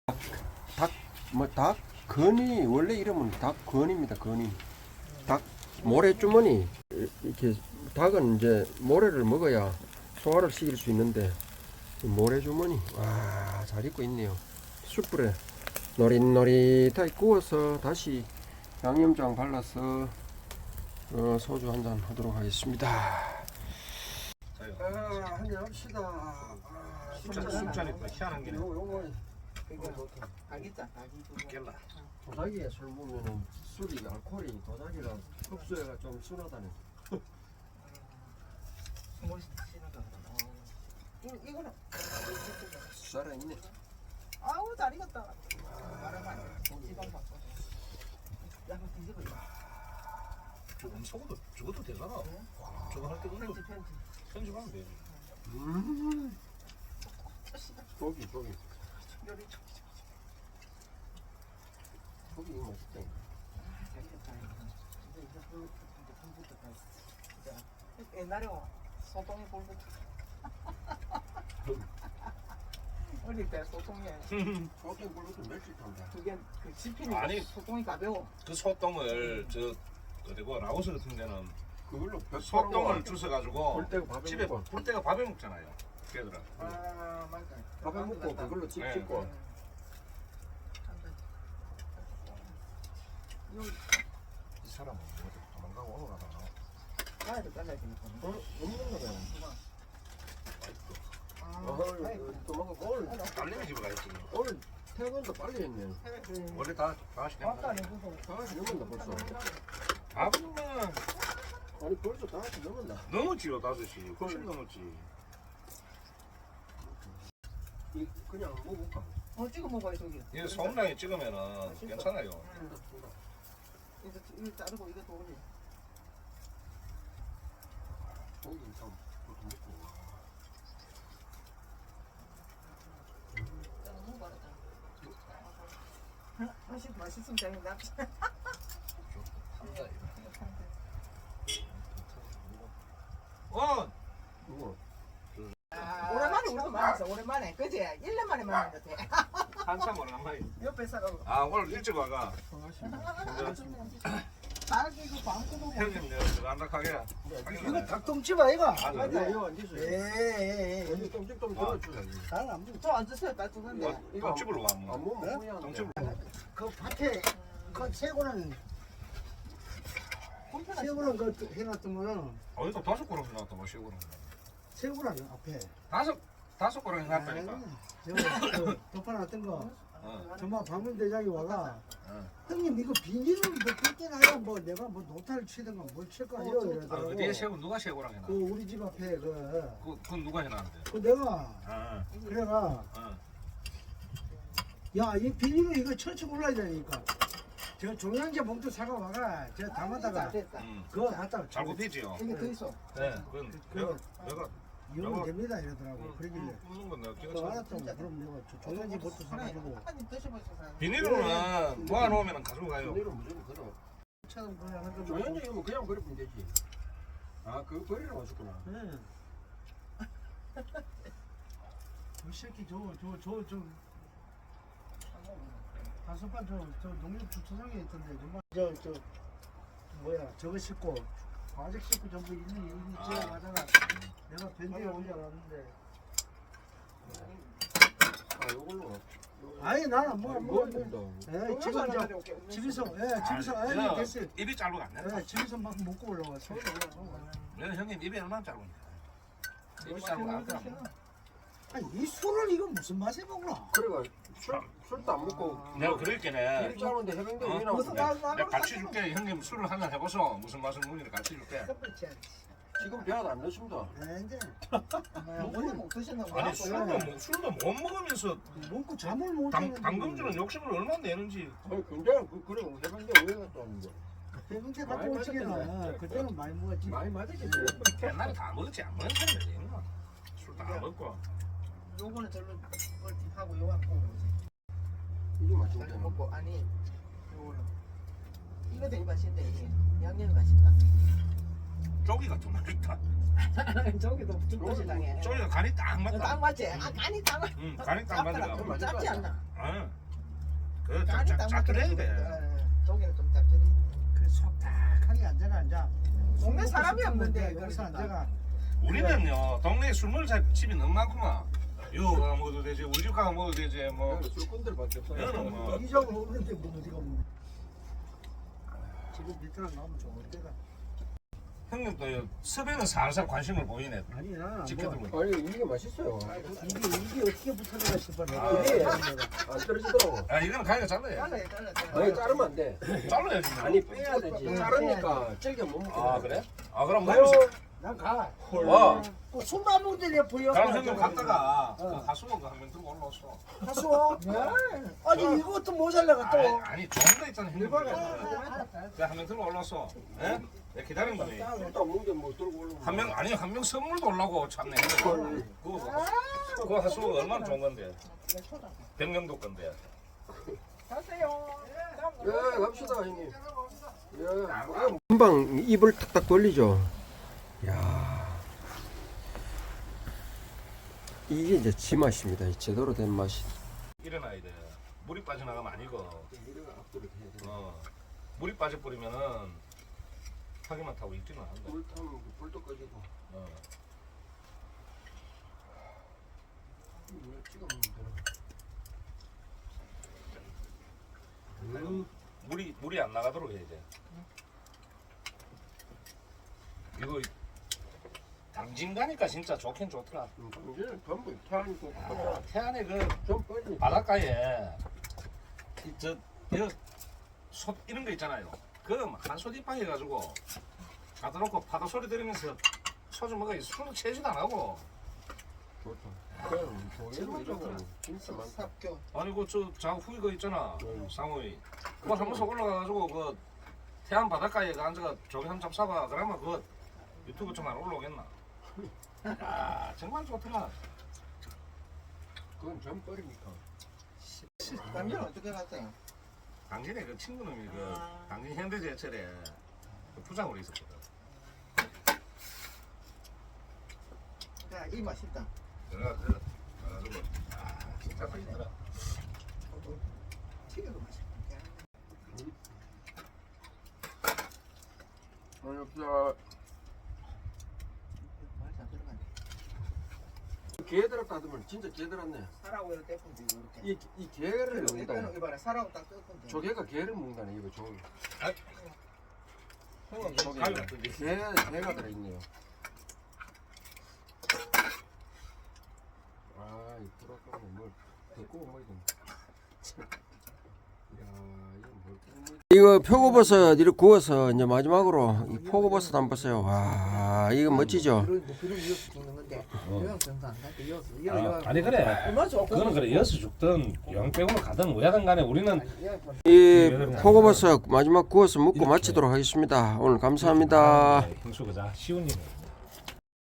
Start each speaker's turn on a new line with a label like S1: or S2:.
S1: 닭 건이 원래 이름은 닭건입니다. 건이 닭 모래주머니. 이렇게 닭은 이제 모래를 먹어야 소화를 시킬 수 있는데 모래주머니 와, 잘 익고 있네요. 숯불에 노릿노릿하게 구워서 다시 양념장 발라서 소주 한잔 하도록 하겠습니다. 한잔 합시다.
S2: 술잔이 또 희한한 게네.
S1: 요거
S3: 알겠다.
S2: 깰라.
S1: 도자기에 술 부으면은 술이 알코올이 도자기가 흡수해가 좀 순하다네.
S3: 이거는
S1: 살아있네.
S3: 아우 잘 익었다. 말하면 지방 바꿔. 약간 뒤집어.
S2: 저것도 되잖아. 저거 할 때 그것도 편집하면 되지.
S1: 고기
S3: 요리
S1: 고기 이거 맛있다.
S3: 옛날에 소똥이 볼부 어릴 때 소똥에
S1: 소고기 굴러도 멸치 탄다.
S3: 그게 그 집히는
S2: 아니.
S3: 소똥이 가벼워.
S2: 그 소똥을 그리고 라오스 같은 데는
S1: 그걸로
S2: 소똥을 주워가지고
S1: 볼 때가 밥에
S2: 집에
S1: 먹고
S2: 볼 때가 밥에 먹잖아요. 걔들아.
S3: 아 맞다.
S1: 밥에 먹고 그걸로 집
S2: 네.
S1: 짓고
S2: 이 사람은 도망가고 오늘 가다
S3: 가야도 잘라지니까.
S1: 없는 거잖아. 도망가 오늘
S2: 딸내미 집에 가있지.
S1: 오늘 퇴근도 빨리 했네.
S2: 원래 다 하시 된
S3: 아까
S2: 거야.
S3: 내고서
S1: 다 넘었나 벌써.
S2: 밥은
S1: 아니 벌써 다 넘었나.
S2: 넘었지요 5시. 훨씬 넘었지.
S1: 그냥 먹을까?
S3: 찍어 먹어야 저기.
S2: 이거 소금장에 찍으면은 괜찮아요.
S3: 이거 자르고 이거 또 올려.
S1: 고기 좀 먹고.
S3: 맛있으면 되는데.
S1: 이거
S3: 오랜만에 우리도 만났어. 오랜만에 그지? 1년 만에 만난 것 같아.
S2: 한참 오랜만에.
S3: 옆에 사람
S2: 아 오늘 일찍 와가.
S3: 딸기고 방구고
S2: 형님 내가 안락하게.
S4: 이거 닭똥집 아이가?
S2: 맞아.
S1: 이거 안 드세요.
S4: 예.
S1: 여기 좀 들어주세요.
S4: 나는 안
S3: 저 앉으세요. 따뜻한데.
S1: 이거
S2: 집으로 와.
S1: 안 먹으면 후회하는데.
S2: 동집으로.
S4: 그 밭에 그 새고는 새고는 그 해놨더면은
S2: 어디서 5그릇 해놨다 뭐 시골은.
S4: 새고는 앞에.
S2: 5그릇 해놨다니까.
S4: 저거 덮어놨던 거. 정말 방문 대장이 와가 형님 이거 비닐을 뭐 뜯겨놔야 뭐 내가 뭐 노타를 치든가 뭘 칠까
S2: 아,
S4: 이러더라고.
S2: 어디에 새우 누가 새우랑 해놔?
S4: 그 우리 집 앞에
S2: 그건 누가 해놨는데?
S4: 그 내가
S2: 아,
S4: 그래가
S2: 아.
S4: 야 이 비닐을 이거 쳐쳐 올라야 되니까 저 종량제 봉투 사가 와가 저 담아다가
S3: 됐다.
S4: 그거 갖다
S2: 잘 굽히지요.
S3: 이게 더 있어.
S2: 네, 그건 내가
S4: 이러면 됩니다 이러더라고. 그러길래
S2: 굽는 건 내가
S4: 그
S2: 기가 차.
S4: 알았다고 그럼 내가 종량제 봉투 사가지고
S3: 한입 드셔보세요.
S2: 비닐로는 모아놓으면 가지고 가요.
S1: 내일은 무조건 걸어.
S4: 차는 그냥 하는 거
S1: 조현정이면 그냥 버리면 되지. 아, 그거 버리러 왔었구나.
S4: 네. 이 새끼 저 다섯반 저 농협 주차장에 있던데 정말 저 뭐야 저거 싣고 과색 싣고 전부 일일이 지어가다가 내가 밴드에 온 줄 알았는데
S1: 아, 요걸로.
S4: 아니 나는 뭐
S1: 된다.
S4: 예, 지금 저 집에서
S2: 내가
S4: 됐어요.
S2: 입이 짧으면 안 된다.
S4: 예, 집에서 막 먹고 올라왔어.
S2: 내가 형님 입이 얼마나 짧은데? 입이 짧으면 안 돼.
S4: 아니 이 술을 이거 무슨 맛에 먹나?
S1: 그래가 술도 안 먹고.
S2: 내가 그랬겠네.
S1: 일 짜는데 해병대
S2: 어?
S1: 왜 나오냐?
S2: 내가 같이 줄게. 형님 술을 한잔 해보소. 무슨 맛을 먹는지 같이 줄게.
S1: 지금 배도 안 넣습니다.
S4: 이제
S3: 원래 못 드셨나 봐.
S2: 아니 술도 못 먹으면서
S4: 먹고 잠을 못
S2: 당금주는 욕심을 얼마나 내는지.
S1: 아니, 근데 그래 해병대 왜 갔다 오는 거야?
S4: 해병대 갔다 올 적에는 그때는 많이 먹었지.
S1: 많이 맞았겠지.
S2: 옛날에 다 먹었지. 안 먹는 사람이 있나? 술 다 먹고.
S3: 요거는 절로 하고 요거는
S1: 이게 맛있네.
S3: 잘 먹고 아니 요거는 이거 되게 맛있는데 이게 양념이 맛있다.
S2: 쪼기가 더 맛있다.
S3: 저기도 죽도시 당해.
S2: 쪼기가 간이 딱 맞다.
S3: 딱 맞지? 아 간이 딱 맞.
S2: 응, 간이 딱 맞아.
S3: 짭지 않나?
S2: 아, 쫙쫙쫙 끓여야 돼.
S3: 저기는 좀 짭짤이.
S4: 그속 딱하게 앉아.
S3: 동네 사람이 없는데
S4: 여기서
S3: 그러니까.
S4: 앉아가.
S2: 우리는요 동네에 술 먹을 집이 너무 많구만. 요 가가 먹어도 되지, 우리 집 가가 먹어도 되지. 뭐
S1: 술꾼들밖에 없어요.
S2: 여는 뭐
S4: 이적은 없는데 뭐 어디가 없는데. 지금 밑으로 나오면 좋을 때가.
S2: 형님도 섭외는 살살 관심을 보이네.
S4: 아니 나는 안 뭐.
S2: 지켜들고.
S1: 아니 이게 맛있어요.
S4: 이게 어떻게 붙어들어가 싶어.
S1: 이게 안 떨어지더라고.
S2: 아 이거는 가위가 잘라야
S3: 잘라요, 잘라요.
S1: 아니 자르면 안 돼.
S2: 잘라야지.
S1: 아니 빼야 되지. 자르니까 질겨 못 먹게.
S2: 아 그래? 아 그럼
S1: 가요.
S2: 먹으면서
S4: 난 가.
S2: 와.
S4: 그 술도 안 먹는데 내가 보여.
S2: 그럼 형님 갔다가 그 하수원 한명 들고 올라왔어.
S4: 가수어. 아니 이것도 모자라가 또.
S2: 아니 좋은 거 있잖아 형님.
S4: 알았다.
S2: 그한명 들고 올라왔어. 예? 내가 기다린 거니.
S1: 술도 안 먹는데 뭐 들고 올라오고.
S2: 한 명 선물도 올라고 참네. 그거 하수원 얼마나 좋은 건데. 백령도 건데.
S3: 가세요.
S1: 예, 갑시다 형님. 예. 금방 입을 탁탁 돌리죠. 야. 이게 이제 지 맛입니다. 이 제대로 된 맛이.
S2: 일어나야 돼. 물이 빠져나가면 아니고. 물이 빠져버리면은 타기만 타고 있지는 않는다.
S1: 물 타면 불도 꺼지고. 찍어 먹는
S2: 물이 안 나가도록 해야 돼. 이거 당진 가니까 진짜 좋긴 좋더라.
S1: 당신은 전부 태안이고
S2: 태안에 그
S1: 좀 빨리.
S2: 바닷가에 솥 이런 거 있잖아요. 그럼 한솥 이빵 해가지고 갖다 놓고 파도 소리 들으면서 소주 먹어. 술도 채지도 안 하고.
S1: 좋다. 그럼 조개도 이런 거 진짜 많다.
S3: 삽교.
S2: 아니 그저 후이 거 있잖아. 상호이. 그거 한 번씩 올라가가지고 그 태안 바닷가에 그 앉아가 조개 한 점 사봐. 그러면 그거 유튜브 좀 안 올라오겠나? 야 정말 좋더라.
S1: 그건 전 버리니까.
S3: 남편 어떻게 갔어요?
S2: 당신의 그 친구놈이 그 당신 현대제철에 그 부장으로 있었거든.
S3: 야, 이 맛있다.
S2: 내가 그래가지고 진짜 맛있더라.
S3: 튀겨도 맛있다.
S1: 아니 없어.
S3: 말도 안 들어가네.
S1: 게 들었다 하면 진짜 게 들었네.
S3: 사라고 이렇게 떼pun지 이렇게.
S1: 이 게를 먹는다.
S3: 이거는 이봐라, 사라고 딱 떼pun지.
S1: 조개가 게를 먹는다네 이거 조.
S3: 형은
S1: 조개.
S2: 가위 같은 게.
S1: 게가 들어있네요. 아, 이 불아까워 뭘 데리고 먹어야 되나? 이거 표고버섯 이렇게 구워서 이제 마지막으로 이 표고버섯 한번 보세요. 와, 이거 멋지죠?
S3: 그런 이어서 죽는 건데. 이런 정도 안 가도 이어서.
S2: 아니 그래.
S3: 얼마 좋고.
S2: 그거는 그래. 이어서 죽든 영백으로 가든 뭐야든 간에 우리는
S1: 이 표고버섯 마지막 구워서 먹고 마치도록 하겠습니다. 오늘 감사합니다.
S2: 형수 그자 쉬운 일이에요.